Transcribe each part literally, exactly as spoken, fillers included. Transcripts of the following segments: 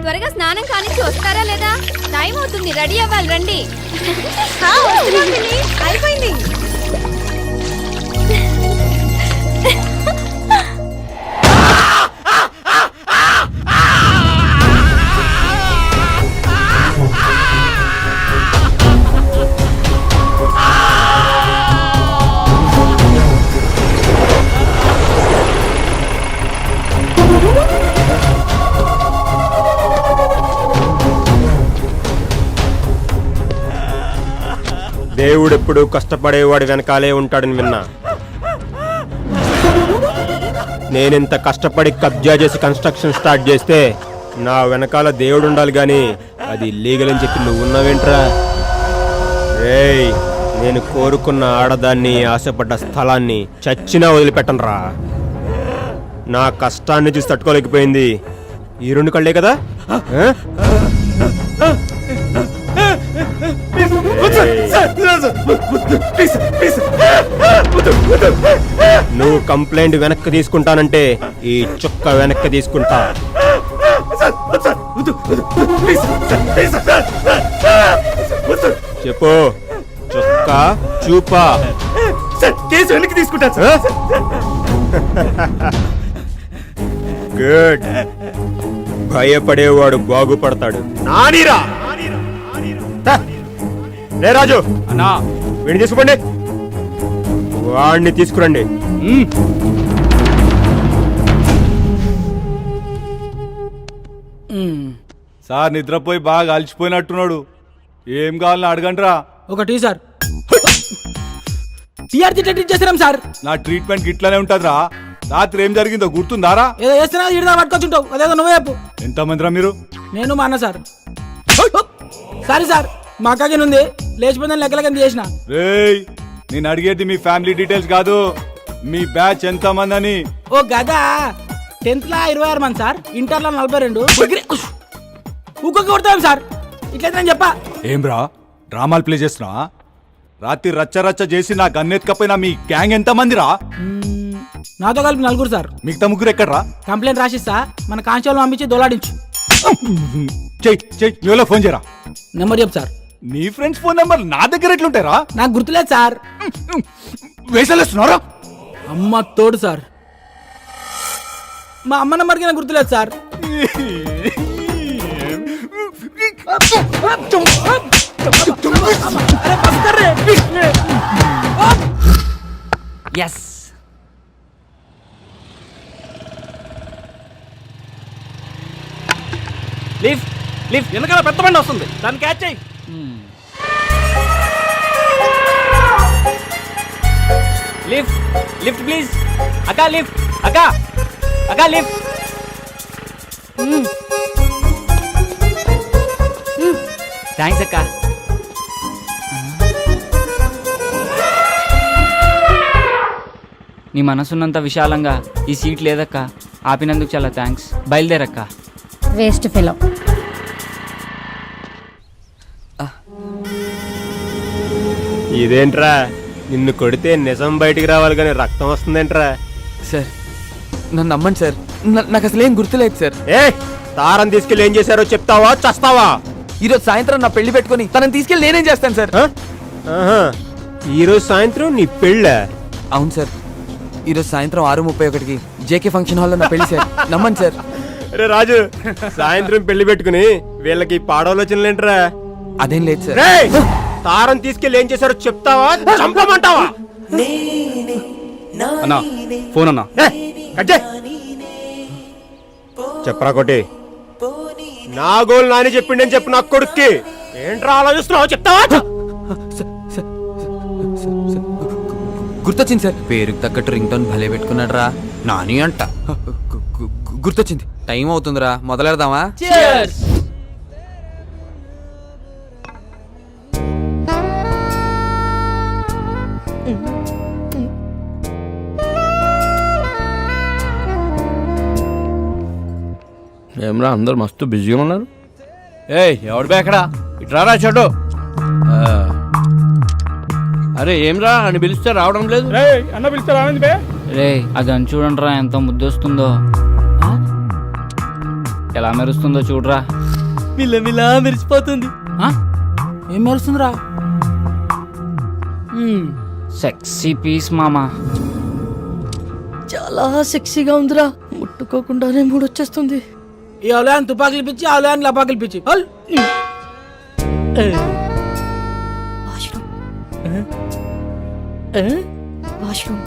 త్వరగా స్నానం కానిచ్చి వస్తారా లేదా? టైం అవుతుంది, రెడీ అవ్వాలి, రండి. అయిపోయింది. దేవుడెప్పుడు కష్టపడేవాడు వెనకాలే ఉంటాడని విన్నా. నేనింత కష్టపడి కబ్జా చేసి కన్స్ట్రక్షన్ స్టార్ట్ చేస్తే నా వెనకాల దేవుడు ఉండాలి గాని అది లీగల్ అని చెప్పి నువ్వు ఉన్నావేంట్రా? రేయ్, నేను కోరుకున్న ఆడదాన్ని, ఆశపడ్డ స్థలాన్ని చచ్చినా వదిలిపెట్టనురా. నా కష్టాన్ని చూసి తట్టుకోలేకపోయింది ఈ రెండు కళ్ళే కదా. నువ్వు కంప్లైంట్ వెనక్కి తీసుకుంటానంటే ఈ చుక్క వెనక్కి తీసుకుంటా. చెప్పు, చుక్క చూపా. కేసు వెనక్కి తీసుకుంటా. గుడ్. భయపడేవాడు బాగుపడతాడు. నానీరా రే రాజు అన్నా, వీడిని తీసుకోండి, వాడిని తీసుకురండి. సార్ నిద్రపోయి బాగా అలసిపోయినట్టున్నాడు. ఏం కావాలని అడగండిరా. ఒక టీ సార్. టీఆర్జీ ట్రీట్ చేస్తున్నాం సార్. నా ట్రీట్మెంట్ ఇట్లానే ఉంటదిరా. రాత్రి ఏం జరిగిందో గుర్తుందారా? ఏదో చేస్తున్నా ఇడిదా పట్టుకొచ్చుంటావు, అదేదో నువ్వే చెప్పు. ఎంతమందిరా మీరు? నేను మా అన్న సార్. సారీ సార్, మా అక్కకి ఉంది, లేచిపోయిందని లెక్కలకి చేసిన. రేయ్, నేను అడిగేది మీ ఫ్యామిలీ డీటెయిల్స్ కాదు, మీ బ్యాచ్ ఎంత మంది అని. ఓ గదా, టెన్త్ లా ఇరవై ఆరు మంది సార్, ఇంటర్ లో నలభై రెండు. ఊకొక్క కొడతాం సార్, ఇట్లయితే నేను చెప్పా. ఏం రా, డ్రామాలు ప్లే చేస్తున్నా? రాత్రి రచ్చ రచ్చ చేసి నా గన్నెత్తుకపోయినా మీ గ్యాంగ్ ఎంత మంది రా? నాతో కలిపి నలుగురు సార్. మిగతా ముగ్గురు ఎక్కడ్రా? కంప్లైంట్ రాసిస్తా, మన కానిస్టేబుల్ పంపించి దొలాడించు. చెయ్ చెయ్ నువ్వులో ఫోన్ చేయరా. నెంబర్ చెప్పు సార్. నీ ఫ్రెండ్స్ ఫోన్ నెంబర్ నా దగ్గర ఎట్లుంటారా? నాకు గుర్తులేదు సార్. వేసలేస్తున్నారా? అమ్మ తోడు సార్, మా అమ్మ నెంబర్కి నాకు గుర్తులేదు సార్. ఎస్, లిఫ్ట్ లిఫ్ట్ వెనకాల పెద్ద బండి వస్తుంది, దాన్ని క్యాచ్ చేయి. Lift lift please. అక్క లిఫ్ట్, అక్క అక్క లిఫ్ట్. థ్యాంక్స్ అక్క. నీ మనసున్నంత విశాలంగా ఈ సీట్ లేదక్క, ఆపినందుకు చాలా థ్యాంక్స్. బయలుదేరక్క. Waste fellow. ఇదేంట్రా, నిన్ను కొడితే నిజం బయటికి రావాలి కానీ రక్తం వస్తుందేంట్రా? సార్ నన్ను నమ్మండి సార్, నాకు అసలు ఏం గుర్తులేదు సార్. ఏ తారం తీసుకెళ్ళి ఏం చేశారో చెప్తావా చస్తావా? ఈరోజు సాయంత్రం నా పెళ్లి పెట్టుకుని తనని తీసుకెళ్ళి నేనేం చేస్తాను సార్? ఈరోజు సాయంత్రం నీ పెళ్ళ? అవును సార్, ఈరోజు సాయంత్రం ఆరు ముప్పై ఒకటికి జేకే ఫంక్షన్ హాల్లో నా పెళ్లి సార్, నమ్మండి సార్. రే రాజు, సాయంత్రం పెళ్లి పెట్టుకుని వీళ్ళకి పాడాలోచనలేంట్రా? అదేం లేదు సార్. తారం తీసుకెళ్ళి ఏం చేశారో చెప్తావా చంపమంటావా? అన్నా ఫోన్ అన్నా. చెప్పరా కొట్టి, నా గోల్ నాని చెప్పిండని చెప్పు నా కొడుక్కి. ఏంట్రా ఆలోచిస్తున్నావు, చెప్తావా? గుర్తొచ్చింది సార్, పేరుకి తగ్గట్టు రింగ్ టోన్ భలే పెట్టుకున్నాడు రా నాని అంట. గుర్తొచ్చింది, టైం అవుతుందిరా, మొదలెడదామా? ఏమరా అందరు మస్తు బిజీగా ఉన్నారు. ఏ ఎవడు బేకడా, ఇట్రారా చెడు. అరే ఏమ్రా అని పిలిస్తే రావడం లేదు. అన్న పిలిస్తే రావండి బే. రే అది అని చూడండి రా, ఎంత ముద్దొస్తుందో. ఎలా మెరుస్తుందో చూడరా. మిల్ల మిల్ల మెరిసిపోతుంది. ఆ? ఏం మెరుస్తుందిరా? సెక్సీ పీస్ మామా. చాలా సెక్సీగా ఉందిరా, ముట్టుకోకుండానే మూడు వచ్చేస్తుంది. ఈ అవలయాన్ని తుపాకులు పిచ్చి అవలయాన్ని లపాకులు పిచ్చి హల్. వాష్రూమ్ ఏ? వాష్రూమ్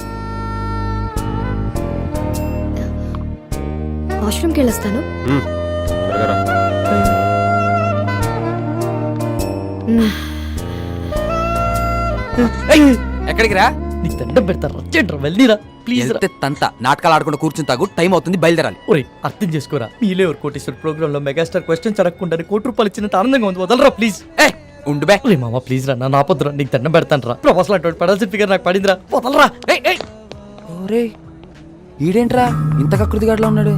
వాష్రూమ్కి వెళ్ళొస్తాను. ఉమ్, త్వరగా రా. మ్మ్. ఎక్కడికి రా? నీకు దండం పెడతారా, వచ్చేట్రా వెళ్ళిరా ప్లీజ్ రా. వెళ్తే తంత నాటకాలు ఆడుకుంటూ కూర్చుని తాగు, టైం అవుతుంది, బయలుదేరాలి. ఒరే అర్థం చేసుకోరా, మీలే ఎవరు కోటేశ్వర ప్రోగ్రామ్ లో మెగాస్టార్ క్వశ్చన్స్ అడగకుండా కోటి రూపాయలు ఇచ్చినంత ఆనందంగా ఉంది, వదలరా ప్లీజ్. ఏ ఉండు బే. రే మామ ప్లీజ్ రా, నా నాపొద్దురా, నీకు దండం పెడతాను రా. ప్రొఫెసర్ అటువంటి పడాల్సిన ఫిగర్ నాకు పడిందిరా, వదలరా. ఏయ్, ఏయ్. ఓరే ఈడేంట్రా ఇంత కృతిగాడులో ఉన్నాడు?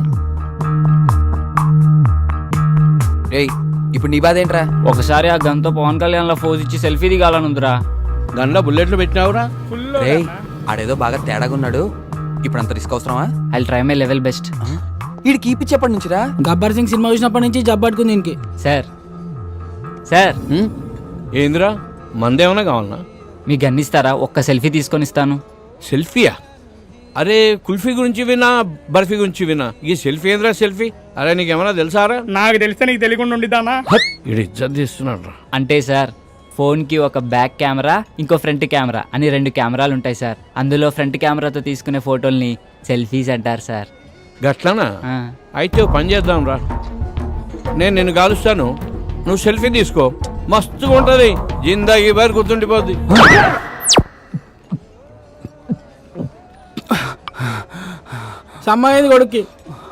ఏయ్ ఇప్పుడు నీ బాధ ఏంట్రా? ఒకసారి ఆ గన్తో పవన్ కళ్యాణ్ లో ఫోజ్ ఇచ్చి సెల్ఫీ దిగాలనుందిరా. గన్లో బుల్లెట్లు పెట్టినావురా? రేయ్ ఆడేదో బాగా తేడాగా ఉన్నాడు, ఇప్పుడు అంత రిస్క్ అవసరమా? I try my level best. ఈడు కీపిచ్చేప్పటి నుంచిరా? గబ్బర్ సింగ్ సినిమా చూసినప్పటి నుంచి జబ్బు పట్టుకుంది దీనికి. సార్ సార్ ఉమ్, ఏందిరా మందేమన్నా కావాలనా? మీ గన్ ఇస్తారా? ఒక్క సెల్ఫీ తీసుకొని ఇస్తాను. సెల్ఫీయా? అరే కుల్ఫీ గురించి వినా, బర్ఫీ గురించి వినా, ఈ సెల్ఫీ ఏంద్రా సెల్ఫీ? అరే నీకేమన్నా తెలుసారా? నాకు తెలిస్తే నీకు తెలియకుండా ఉండిదానా? ఇడు ఇజ్జత్ తీస్తున్నాడు రా. అంటే సార్ ఫోన్కి ఒక బ్యాక్ కెమెరా, ఇంకో ఫ్రంట్ కెమెరా అని రెండు కెమెరాలు ఉంటాయి సార్. అందులో ఫ్రంట్ కెమెరాతో తీసుకునే ఫోటోల్ని సెల్ఫీస్ అంటారు సార్. గట్లనా? ఆ. అయితే ఓ పని చేద్దాం రా, నేను నిన్ను కాలుస్తాను, నువ్వు సెల్ఫీ తీసుకో, మస్తుగా ఉంటుంది, జిందాగీ బారి గుర్తుండిపోద్ది. సమ్మయ్యింది కొడుక్కి.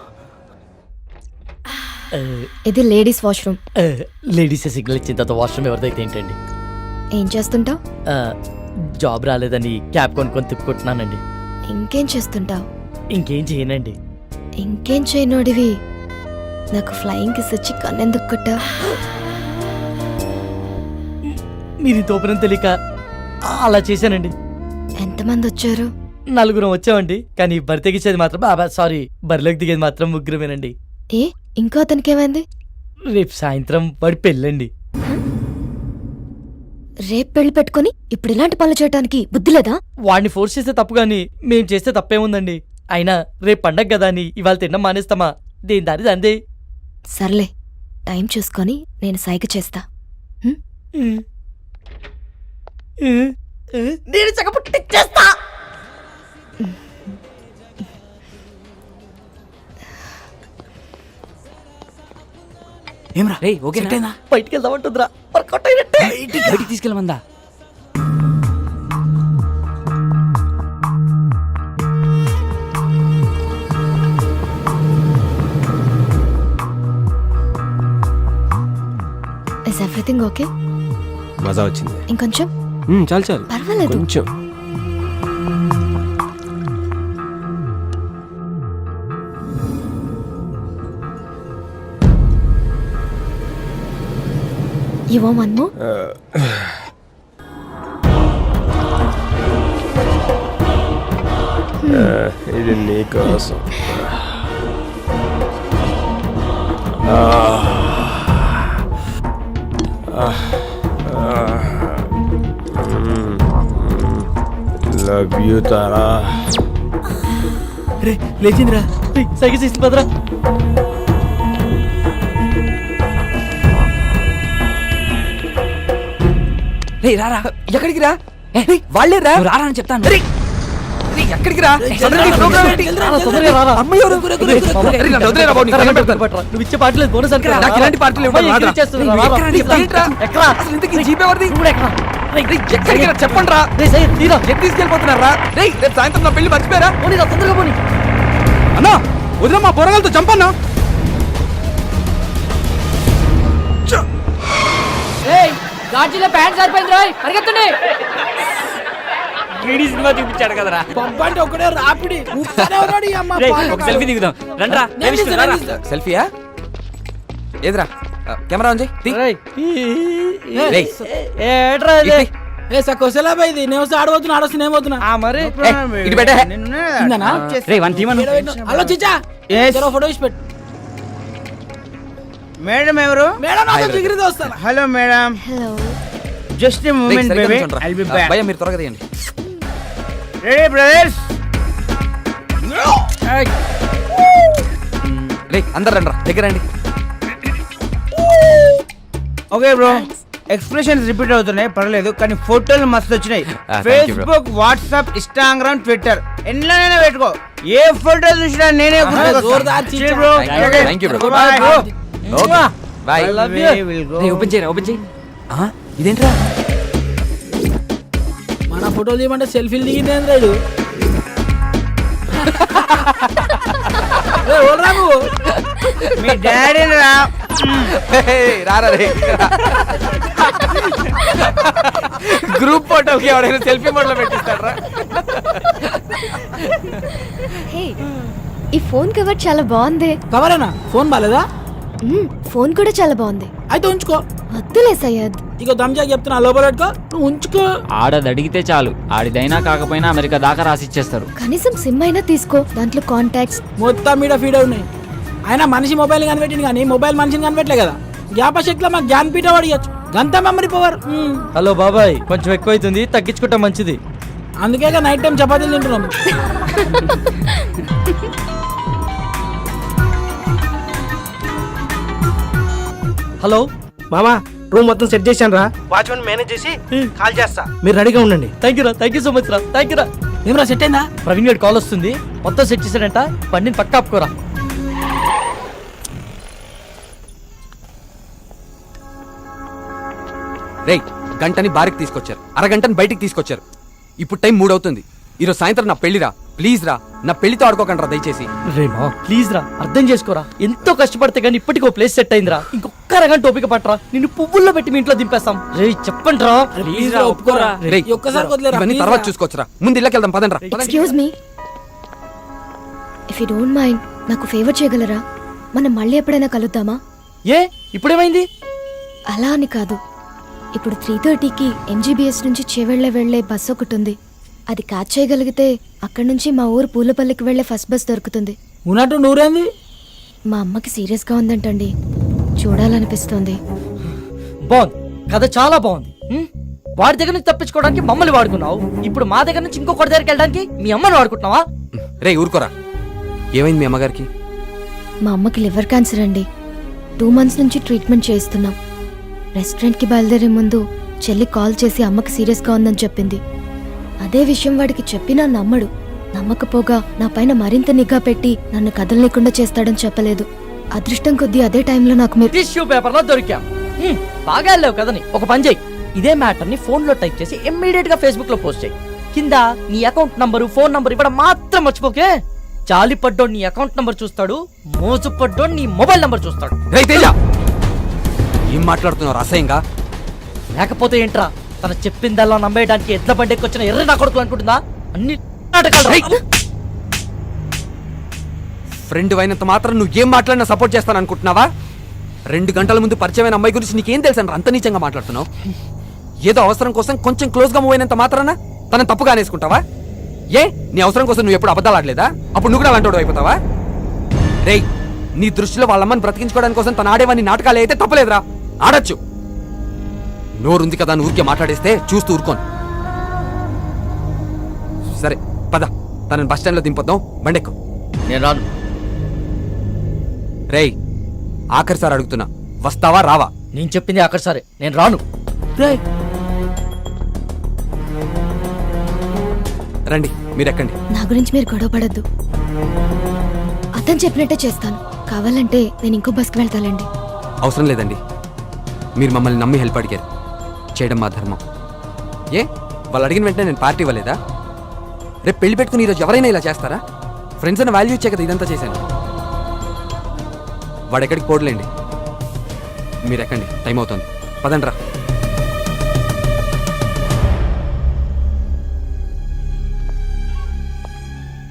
ఇది లేడీస్ వాష్రూమ్. లేడీస్ సిగ్నల్ ఇచ్చిన తర్వాత వాష్రూమ్ ఎవరిదైతే ఏంటండి? ఏం చేస్తుంటావు? ఆ, జాబ్ రాలేదని క్యాబ్ కొనుక్కొని తిప్పుకుంటున్నానండి. ఇంకేం చేస్తుంటావు? ఇంకేం చేయనండి. ఇంకేం చేయనోడివి నాకు ఫ్లయింగ్ కిస్ వచ్చి కన్నెందుకు కొట్టా? మీరు తోపనం తెలియక అలా చేశానండి. ఎంతమంది వచ్చారు? నలుగురం వచ్చామండి, కానీ బరి తెగించేది మాత్రం బాబా సారీ బరిలోకి దిగేది మాత్రం ముగ్గురమేనండి. ఏ ఇంకో అతనికి ఏమైంది? రేపు సాయంత్రం వాడి పెళ్ళండి. రేపు పెళ్లి పెట్టుకొని ఇప్పుడు ఇలాంటి పనులు చేయడానికి బుద్ధి లేదా? వాడిని ఫోర్స్ చేస్తే తప్పు కానీ మేం చేస్తే తప్పేముందండి? అయినా రేపు పండగ కదా అని ఇవాళ తినడం మానేస్తామా? దేని దారి అందే. సర్లే టైం చూసుకొని నేను సైగ చేస్తా. హ్మ్? నేను చక్కపుట్టిచ్చేస్తా. ఏమరా రే ఓకేనా? బయటికి వెళ్దామంటుందిరా, వర్కౌట్ అయినట్టే. బయటికి తీసుకెళ్ళమందా? Is everything okay? మజా వచ్చింది. ఇంకొంచెం? ఉమ్, చాలు చాలు, పర్వాలేదు. కొంచెం. You want one more? ఇది నీకోసం. Love you Tara. రే లేచిందిరా, సైకిల్ చేసి పదరా. రే రారా, ఎక్కడికి రా? రేయ్, వాళ్ళే రా. నువ్వు రారా అని చెప్తాను. రేయ్, రేయ్, ఎక్కడికి రా? సడన్గా ప్రోగ్రామ్ ఏంటి? తొందరగా రారా. అమ్మాయి ఎవరు? రేయ్, నన్ను వదిలేరా బాబు, నీకు దండం పెడతాను. నువ్వు ఇచ్చే పాటలేదు బోనస్ అనుకో. నాకు ఇలాంటి పార్టీలు ఇవ్వడం అమ్మాయి రాదురా. ఎక్కిరి చేస్తుంది, నువ్వు రారా. ఎక్కరా నీ చెప్తాను. ఏంట్రా? ఎక్కరా? అసలు ఇంతకీ జీప్ ఎవరిది? నువ్వు కూడా ఎక్కరా? రేయ్, రేయ్, ఎక్కడికి రా? చెప్పండి రా. రేయ్, సయ్యద్, తీరా. ఎక్కడ తీసుకెళ్ళిపోతున్నారా? రేయ్, రేపు సాయంత్రం నా పెళ్లి మర్చిపోయారా? పోనీ రా, తొందరగా పోనీ. అన్నా వదిలే, మా పొరగాలతో చంపన్నా. గాజులో ప్యాంట్ సరిపోయింది రోయ్, పరిగెత్తండి. వీడి సినిమా చూపించాడు కదరా. పంపంటే ఒకడే రాపిడి ఊపుతానే ఉన్నాడు ఈ అమ్మ. రేయ్, పాలు ఒక సెల్ఫీ దిగుదాం రండ్రా. నేను తీస్తా, నేను తీస్తా. సెల్ఫీయా? ఏదిరా కెమెరా ఉంది? తీ. రేయ్. రేయ్. ఏట్రా ఇది? ఇది. ఏ సకోసలా పోయింది. నేను వస్తే ఆడబోతున్నా, ఆడొస్తే నేను పోతున్నా. ఆ మరి ఏయ్, ఇటు పెట్టే. ఇందనా? రేయ్ వన్ తీమను. హలో చిచ్చా, Yes. జర ఫోటో ఇచ్చి పెట్టు. మేడం ఎవరు? మేడం నాకు డిగ్రీ దోస్తాను. Hello madam. Hello. Just a moment baby. I'll be back. భయ్యా మీరు త్వరగా తీయండి. Ready brothers? రే అందరు రండి రా దగ్గర రండి. Okay bro. ఎక్స్ప్రెషన్స్ రిపీట్ అవుతున్నాయి పర్లేదు, కానీ ఫోటోలు మస్తు వచ్చినాయి. Ah, thank you, bro. Facebook, WhatsApp, Instagram, Twitter ఎన్నైనా పెట్టుకో. ఏ ఫోటో చూసినా నేనే Thank you, bro. Okay bye. రే ఓపెన్ చేయరా ఓపెన్ చేయి. ఆ, ఇదేంట్రా? మన ఫోటోలు తీయమంటే సెల్ఫీలు దిగింది రాడు. మీ డాడీ రా. రారా రే. గ్రూప్ ఫోటోకి ఎవడైనా సెల్ఫీ మోడ్లో పెట్టిస్తారా? హే, ఈ ఫోన్ కవర్ చాలా బాగుంది. కవరేనా? ఫోన్ బాలేదా? మ్మ్, ఫోన్ కూడా చాలా బాగుంది. అయితే ఉంచుకో. వద్దులే సయ్యద్. ఇక దమ్జా చెప్తున్నా, లోపల పెట్టుకో, నువ్వు ఉంచుకో. ఆడది అడిగితే చాలు, ఆడిదైనా కాకపోయినా అమెరికా దాకా రాసిచ్చేస్తారు. కనీసం సిమ్ అయినా తీసుకో, దాంట్లో కాంటాక్ట్స్. మొత్తం మీద ఫీడ్ ఉన్నాయి. ఆయన మనిషి మొబైల్ కనిపెట్టింది కానీ మొబైల్ మనిషిని కనిపెట్టలే కదా. జ్ఞాపశక్తిలో మాకు జ్ఞానపీఠ అడిగచ్చు, గంత మెమరీ పవర్. హలో బాబాయ్, కొంచెం ఎక్కువ అవుతుంది, తగ్గించుకుంటే మంచిది. అందుకే నైట్ టైం చపాతీలు తింటున్నాం. హలో మామా, రూమ్ మొత్తం సెట్ చేశాను రా. వాచ్మెన్ మేనేజ్ చేసి కాల్ చేస్తా, మీరు రెడీగా ఉండండి. థ్యాంక్ యూ రా, థ్యాంక్ యూ సో మచ్ రా, థ్యాంక్ యూ రా. ఏమరా సెట్ అయిందా? ప్రవీణ్ గారి కాల్ వస్తుంది, మొత్తం సెట్ చేశాడంట, బండిని పక్క ఆపుకోరా. రేయ్ గంటని బారికి తీసుకొచ్చారు, అరగంటని బయటికి తీసుకొచ్చారు. ఇప్పుడు టైం మూడు అవుతుంది. ఈరోజు సాయంత్రం నా పెళ్లిరా, ప్లీజ్ రా, నా పెళ్లితో ఆడుకోకండి రా దయచేసి. రే మా ప్లీజ్ రా, అర్థం చేసుకోరా. ఎంతో కష్టపడితే గానీ ఇప్పటికీ ఓ ప్లేస్ సెట్ అయిందిరా. ఇంకొక అరగంట ఓపిక పట్టరా, నిన్ను పువ్వుల్లో పెట్టి మీ ఇంట్లో దింపేస్తాం. రే చెప్పండి రా, ప్లీజ్ రా, ఒప్పుకోరా. రేయ్ ఒక్కసారి వదిలేరా, ఇవన్నీ please తర్వాత రా. చూసుకోవచ్చురా, ముందు ఇళ్ళకి వెళ్దాం పదండి రా. Excuse me, if you don't mind నాకు ఫేవర్ చేయగలరా? మనం మళ్ళీ ఎప్పుడైనా కలుద్దామా? ఏ ఇప్పుడేమైంది? అలా అని కాదు, ఇప్పుడు త్రీ థర్టీకి ఎంజీబీఎస్ నుంచి చేవెళ్ళే వెళ్లే బస్ ఒకటి ఉంది. అది క్యాచ్ చేయగలిగితే అక్కడి నుంచి మా ఊరు పూలపల్లికి వెళ్లే ఫస్ట్ బస్ దొరుకుతుంది. ఉన్నట్టు నూరేంది? మా అమ్మకి సీరియస్గా ఉందంటండి, చూడాలనిపిస్తుంది. బాగుంది, కథ చాలా బాగుంది. హ్మ్? వాడి దగ్గర నుంచి తప్పించుకోవడానికి మమ్మల్ని వాడుకున్నావు, ఇప్పుడు మా దగ్గర నుంచి ఇంకొకటి దగ్గరికి వెళ్ళడానికి మీ అమ్మని వాడుకుంటున్నావా? రే ఊరుకోరా, ఏమైంది మీ అమ్మగారికి? మా అమ్మకి లివర్ క్యాన్సర్ అండి, టూ మంత్స్ నుంచి ట్రీట్మెంట్ చేయిస్తున్నాం. రెస్టారెంట్కి బయలుదేరే ముందు చెల్లి కాల్ చేసి అమ్మకి సీరియస్గా ఉందని చెప్పింది. అదే విషయం వాడికి చెప్పినా నమ్మడు. నమ్మకపోగా నా పైన మరింత నిఘా పెట్టి నన్ను కదలలేకుండా చేస్తాడని చెప్పలేదు. అదృష్టం కొద్దీ అదే టైంలో నాకు మీరు టిష్యూ పేపర్ లో దొరికాం. హ్మ్, బాగా వెళ్ళావు కదని ఒక పని చేయి, ఇదే మ్యాటర్ ని ఫోన్ లో టైప్ చేసి ఇమ్మీడియట్ గా ఫేస్బుక్ లో పోస్ట్ చేయి. కింద నీ అకౌంట్ నంబరు, ఫోన్ నంబర్ ఇవ్వడం మాత్రం మర్చిపోకే. జాలి పడ్డోడు నీ అకౌంట్ నంబర్ చూస్తాడు, మోసు పడ్డోడు నీ మొబైల్ నంబర్ చూస్తాడు. రేయ్ తేజ, ఏం మాట్లాడుతున్నావు అసహ్యంగా? లేకపోతే ఏంట్రా, తన చెప్పిందల్లా నమ్మేయడానికి ఎడ్ల బండికి వచ్చిన ఎర్ర నా కొడుకు అనుకుంటుందా? అన్ని నాటకాలు. ఫ్రెండ్ అయినంత మాత్రం నువ్వు ఏం మాట్లాడినా సపోర్ట్ చేస్తాను అనుకుంటున్నావా? రెండు గంటల ముందు పరిచయమైన అమ్మాయి గురించి నీకేం తెలుసు అంత నీచంగా మాట్లాడుతున్నావు? ఏదో అవసరం కోసం కొంచెం క్లోజ్ గా మూవ్ అయినంత మాత్రాన తనని తప్పుగా అనేసుకుంటావా? ఏ నీ అవసరం కోసం నువ్వు ఎప్పుడు అబద్ధాలు ఆడలేదా? అప్పుడు నువ్వు కూడా అలాంటి అయిపోతావా? రేయ్, నీ దృష్టిలో వాళ్ళమ్మని బ్రతికించుకోవడానికి కోసం తన ఆడేవాన్ని నాటకాలు అయితే తప్పలేదురా, ఆడచ్చు. నోరుంది కదా అని ఊరికే మాట్లాడేస్తే చూస్తూ ఊరుకోను. సరే పద, తనని బస్ స్టాండ్ లో దింపొద్దాం, బండెక్కు. నేను రాను. రేయ్ ఆఖరిసారి అడుగుతున్నా, వస్తావా రావా? నేను చెప్పింది అక్కడ సరే, నేను రాను. రండి మీరు ఎక్కండి. నా గురించి మీరు గొడవ పడద్దు, అతను చెప్పినట్టే చేస్తాను. కావాలంటే నేను ఇంకో బస్కి వెళ్తానండి. అవసరం లేదండి, మీరు మమ్మల్ని నమ్మి హెల్ప్ అడిగారు, చేయడం మా ధర్మం. ఏ వాళ్ళు అడిగిన వెంటనే నేను పార్టీ ఇవ్వలేదా? రేపు పెళ్లి పెట్టుకుని ఈరోజు ఎవరైనా ఇలా చేస్తారా? ఫ్రెండ్స్ అని వాల్యూ ఇచ్చే కదా ఇదంతా చేశాను. వాడు ఎక్కడికి పోడలేండి, మీరు ఎక్కండి, టైం అవుతుంది, పదండి రా.